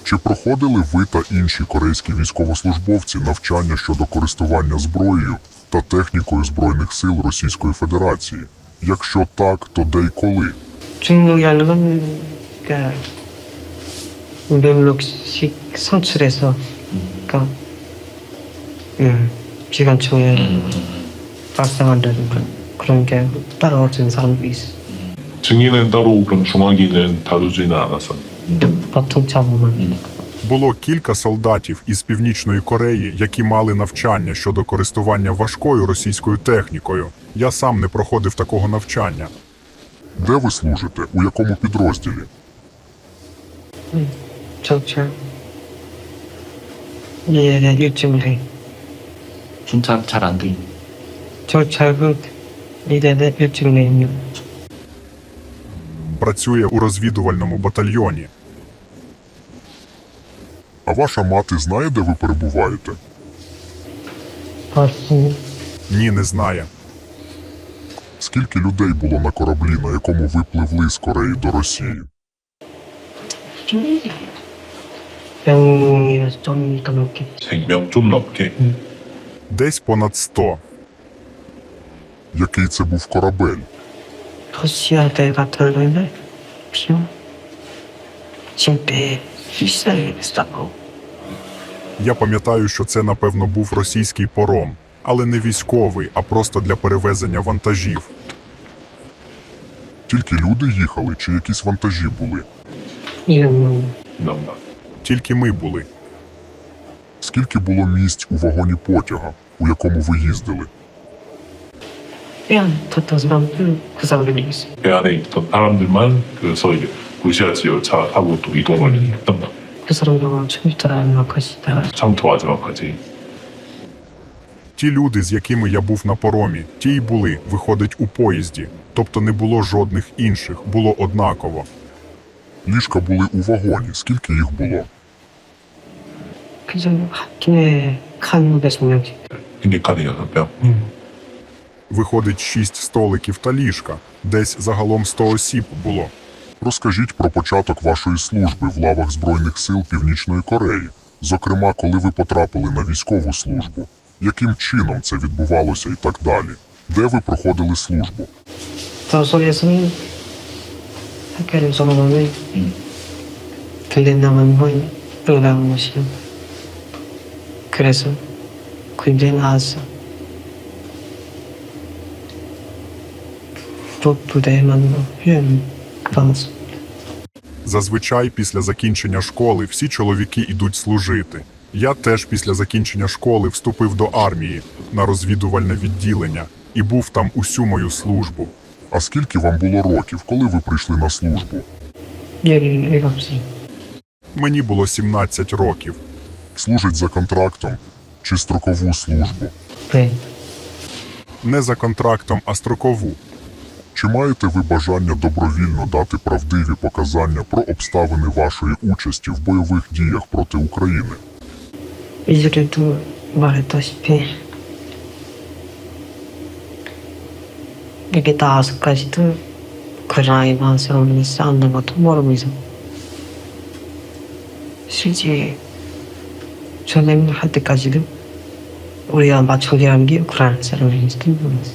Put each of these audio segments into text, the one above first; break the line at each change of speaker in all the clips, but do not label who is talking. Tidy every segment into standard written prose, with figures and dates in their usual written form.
Чи проходили ви та інші корейські військовослужбовці навчання щодо користування зброєю та технікою Збройних сил Російської Федерації? Якщо так, то де й коли?
중요한 건 그러니까 우병력식 선출해서 그러니까 기관총에 발사한다든가 그런 게 따라오는 사람도 있어.
증인은 따로 그럼 중화기는 다루지는 않았었나요?
근데 보통 잡으면
Було кілька солдатів із Північної Кореї, які мали навчання щодо користування важкою російською технікою. Я сам не проходив такого навчання.
Де ви служите? У якому підрозділі?
정찰 예 일정을 해.
진짜 잘 안 돼.
정찰은 이래는 일정을 해요.
Працює у розвідувальному батальйоні.
А ваша мати знає, де ви перебуваєте?
벌써
Ні, не знає.
Скільки людей було на кораблі, на якому ви пливли з Кореї до Росії?
병이 좀더 넘게
100명 좀 넘게.
Десь понад 100.
Який це був корабель?
러시아 대 같은 거는 비용 진짜 비싸고
Я пам'ятаю, що це, напевно, був російський паром. Але не військовий, а просто для перевезення вантажів.
Тільки люди їхали чи якісь вантажі були?
이런
넘나.
Тільки ми були.
Скільки було місць у вагоні потяга, у якому ви їздили?
그냥 뒀던 사람들 그 사람들이 있어.
배 안에 있던 사람들만 그래서 이제 무시하지 열차 타고 또 이동을 했던 거.
그 사람들은 처음부터 것이다.
처음부터 마지막까지.
Ті люди, з якими я був на паромі, ті й були, виходить, у поїзді. Тобто не було жодних інших, було однаково.
Ліжка були у вагоні. Скільки їх було?
그래서 학교에 칸 배송량지.
핑계카드 6명.
Виходить, 6 столиків та ліжка. Десь загалом 100 осіб було.
Розкажіть про початок вашої служби в лавах Збройних сил Північної Кореї. Зокрема, коли ви потрапили на військову службу. Яким чином це відбувалося і так далі? Де ви проходили службу?
도서에서는 학교를 졸업하면 군대 나면 뭐 들어가는 것이요. 그래서 군대 나와서 또 부대에 만나 훈련 받았어.
Зазвичай після закінчення школи всі чоловіки йдуть служити. Я теж після закінчення школи вступив до армії на розвідувальне відділення і був там усю мою службу.
А скільки вам було років, коли ви прийшли на службу?
17살.
Мені було 17 років.
Служить за контрактом чи строкову службу?
네.
Не за контрактом, а строкову.
Чи маєте ви бажання добровільно дати правдиві показання про обставини вашої участі в бойових діях проти України?
이전에도 말했다시피 이게 나와서까지도 그 나이 많은 사람이 싸우는 것도 모르면서 실제 전쟁을 할 때까지도 우리가 마청이라는 게 우크라이나 사람인지도 모르겠어.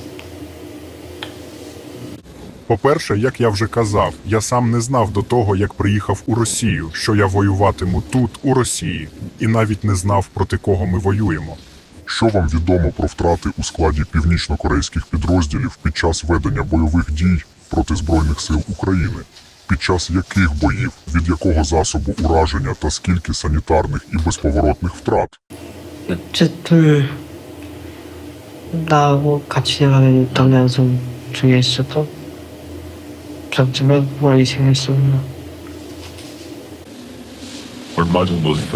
По-перше, як я вже казав, я сам не знав до того, як приїхав у Росію, що я воюватиму тут, у Росії, і навіть не знав, проти кого ми воюємо.
Що вам відомо про втрати у складі північно-корейських підрозділів під час ведення бойових дій проти Збройних сил України? Під час яких боїв, від якого засобу ураження та скільки санітарних і безповоротних втрат?
어쨌든 나하고 같이 나가는 동양선 중에 있어도 점점에 멀리 생겼었나.
얼마 정도 됐던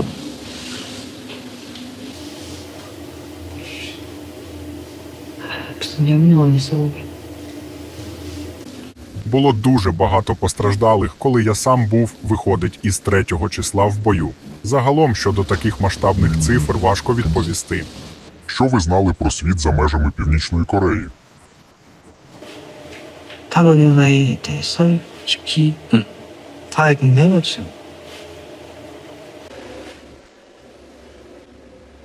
무슨 영향이 있어.
Було дуже багато постраждалих, коли я сам був, виходить, із 3-го числа в бою. Загалом, щодо таких масштабних цифр, важко відповісти.
Що ви знали про світ за межами Північної Кореї?
타노니나에 대해서 솔직히 다 알긴 해봤죠.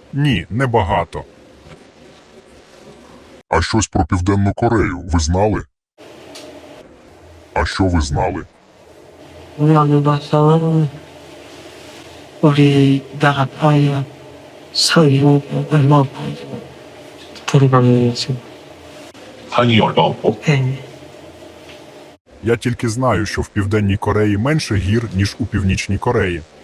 Ні, небагато.
А щось про Південну Корею ви знали? А що ви знали?
우연히 봐서 우리 나라의 서유 얼마 돌아가면서
한이 얼마 없고
Я тільки знаю, що в Південній Кореї менше гір, ніж у Північній Кореї.